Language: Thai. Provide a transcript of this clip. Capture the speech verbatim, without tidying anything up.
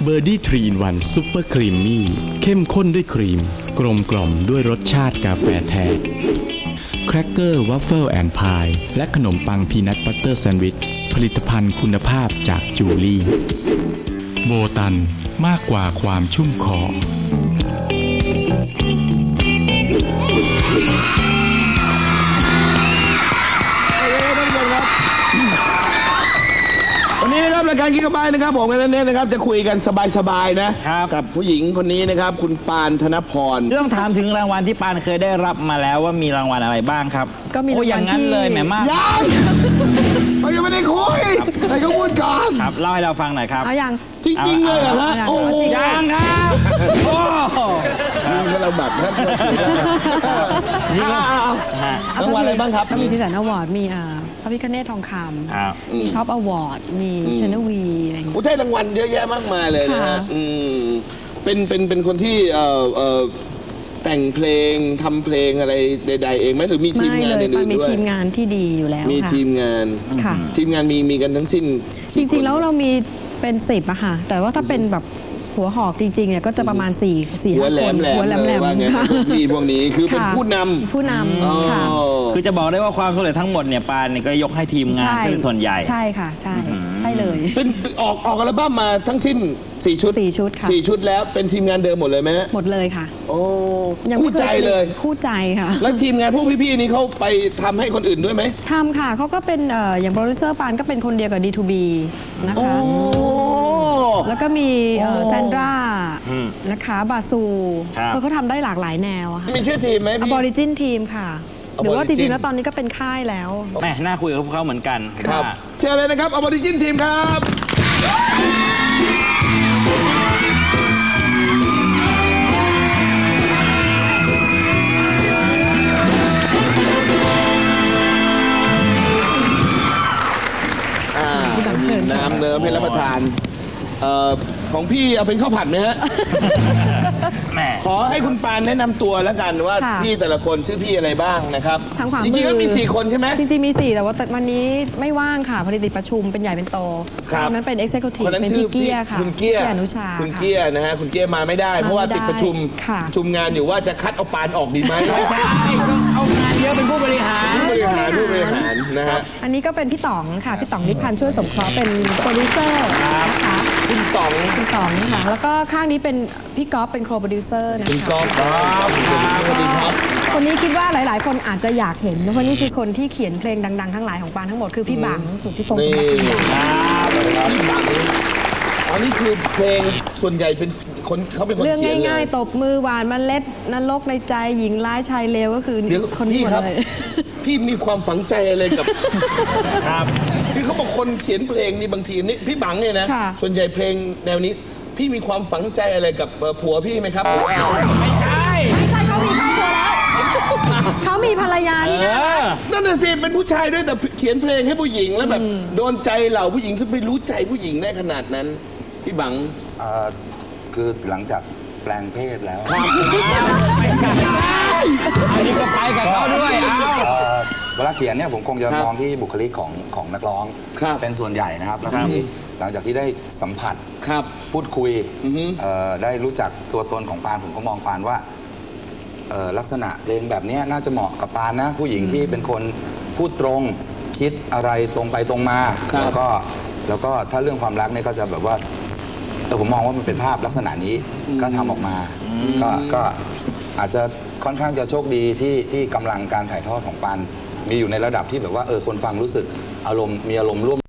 เบอร์ดี้ทรีนวันซุปเปอร์ครีมมี่เข้มข้นด้วยครีมกลมกล่อมด้วยรสชาติกาแฟแท้แครกเกอร์วัฟเฟิลแอนด์พายและขนมปังพีนัทบัตเตอร์แซนด์วิชผลิตภัณฑ์คุณภาพจากจูลี่โบตันมากกว่าความชุ่มคอวันนี้นะครับรายการกิ๊กบายนะครับผมกันเน้นนะครับจะคุยกันสบายๆนะกับผู้หญิงคนนี้นะครับคุณปานธนพรเรื่องถามถึงรางวัลที่ปานเคยได้รับมาแล้วว่ามีรางวัลอะไรบ้างครับก็มีรางวัลที่อย่างนั้นเลยแหมมากยังเขายังไม่ได้คุยให้เขาพูดก่อนครับเล่าให้เราฟังหน่อยครับเอาอย่างจริงๆเลยเหรอฮะโอ้ยังครับโอ้นี่เราแบบท่านเราคุยได้รางวัลอะไรบ้างครับก็มีซีสันอวอร์ดมีอ่าพระพิฆเนศทองคำมีท็อปอวอร์ดมีชนวีอะไรอย่างเงี้ยอุทัยรางวัลเยอะแยะมากมายเลยนะฮะเป็นเป็นเป็นคนที่เอ่อเอ่อแต่งเพลงทำเพลงอะไรใดๆเองไหมหรือมีทีมงานอื่นด้วยมีทีมงานที่ดีอยู่แล้วมีทีมงานทีมงานมีมีกันทั้งสิ้นจริงๆแล้วเรามีเป็นสิบอะค่ะแต่ว่าถ้าเป็นแบบหัวหอกจริงๆเนี่ยก็จะประมาณสี่ สี่ ห้าคนหัวแหลมๆว่าไงพี่พวกนี้คือเป็นผู้นำผู้นำค่ะคือจะบอกได้ว่าความสำเร็จทั้งหมดเนี่ยปานเนี่ยก็ยกให้ทีมงานเป็นส่วนใหญ่ใช่ค่ะใช่ใช่เลยเป็นออกออกอัลบั้มมาทั้งสิ้นสี่ชุดสี่ชุดค่ะสี่ชุดแล้วเป็นทีมงานเดิมหมดเลยไหมหมดเลยค่ะโอ้คู่ใจเลยคู่ใจค่ะแล้วทีมงานพวกพี่ๆนี้เขาไปทำให้คนอื่นด้วยไหมทำค่ะเขาก็เป็นอย่างโปรดิวเซอร์ปานก็เป็นคนเดียวกับ ดี ทู บี นะคะแล้วก็มีแซนดรานะคะบาซูเขาเขาทำได้หลากหลายแนวค่ะมีชื่อทีมไหมพี่ Origin Team ค่ะหรือว่าจริงๆแล้วตอนนี้ก็เป็นค่ายแล้วแหมน่าคุยกับพวกเขาเหมือนกันครับเชิญเลยนะครับ Origin Team ครับน้ำเนิ้มให้รับประทานของพี่เอาเป็นข้าวผัดไหมฮะขอให้คุณปานแนะนำตัวแล้วกันว่าพี่แต่ละคนชื่อพี่อะไรบ้างนะครับจริงๆแล้วมีสี่คนใช่ไหมจริงๆมีสี่แต่ว่าวันนี้ไม่ว่างค่ะพอดีติดประชุมเป็นใหญ่เป็นโตคนนั้นเป็น Executive เป็นพี่เกียร์ค่ะคุณเกียร์อนุชาคุณเกียร์นะฮะคุณเกียร์มาไม่ได้เพราะว่าติดประชุมประชุมงานอยู่ว่าจะคัดเอาปานออกดีไหมไม่ใช่เอางานเยอะเป็นผู้บริหารผู้บริหารผู้บริหารนะฮะอันนี้ก็เป็นพี่ต๋องค่ะพี่ต๋องนิพันธ์ช่วยสมเคราะห์เป็นโปรดิวเซอร์นะคะคุณต๋องคุณต๋องค่ะแล้วก็ข้างนี้เป็นพี่ก๊อฟเป็นโคโปรดิวเซอร์นะคะคุณก๊อฟครับสวัสดีครับคนนี้คิดว่าหลายๆคนอาจจะอยากเห็นเพราะนี่คือคนที่เขียนเพลงดังๆทั้งหลายของปานทั้งหมดคือพี่บังสุทธิพงศ์นี่ครับพี่บังอันนี้คือเพลงส่วนใหญ่เป็นคนเขาเป็นคนเขียนเรื่องง่ายๆตบมือหวานเมล็ดนรกในใจหญิงร้ายชายเลวก็คือคนที่เลยพี่มีความฝังใจอะไรกับครับคือเขาบอกคนเขียนเพลงนี่บางทีนี่พี่บังเนี่ยนะส่วนใหญ่เพลงแนวนี้พี่มีความฝังใจอะไรกับผัวพี่ไหมครับไม่ใช่ไม่ใช่เขามีครอบครัวแล้วเขามีภรรยานี่นะนั่นน่ะสิเป็นผู้ชายด้วยแต่เขียนเพลงให้ผู้หญิงแล้วแบบโดนใจเหล่าผู้หญิงที่ไม่รู้ใจผู้หญิงได้ขนาดนั้นพี่บังคือหลังจากแปลงเพศแล้วอันนี้ก็ไปกับเขาด้วยเวลาเขียนเนี่ยผมคงจะมองที่บุคลิกของของนักร้องเป็นส่วนใหญ่นะครับแล้วทีนี้หลังจากที่ได้สัมผัสพูดคุยได้รู้จักตัวตนของปานผมก็มองปานว่าลักษณะเพลงแบบนี้น่าจะเหมาะกับปานนะผู้หญิงที่เป็นคนพูดตรงคิดอะไรตรงไปตรงมาแล้วก็แล้วก็ถ้าเรื่องความรักเนี่ยก็จะแบบว่าแต่ผมมองว่ามันเป็นภาพลักษณะนี้ก็ทำออกมาก็ก็อาจจะค่อนข้างจะโชคดีที่ที่กำลังการถ่ายทอดของปานมีอยู่ในระดับที่แบบว่าเออคนฟังรู้สึกอารมณ์มีอารมณ์ร่วม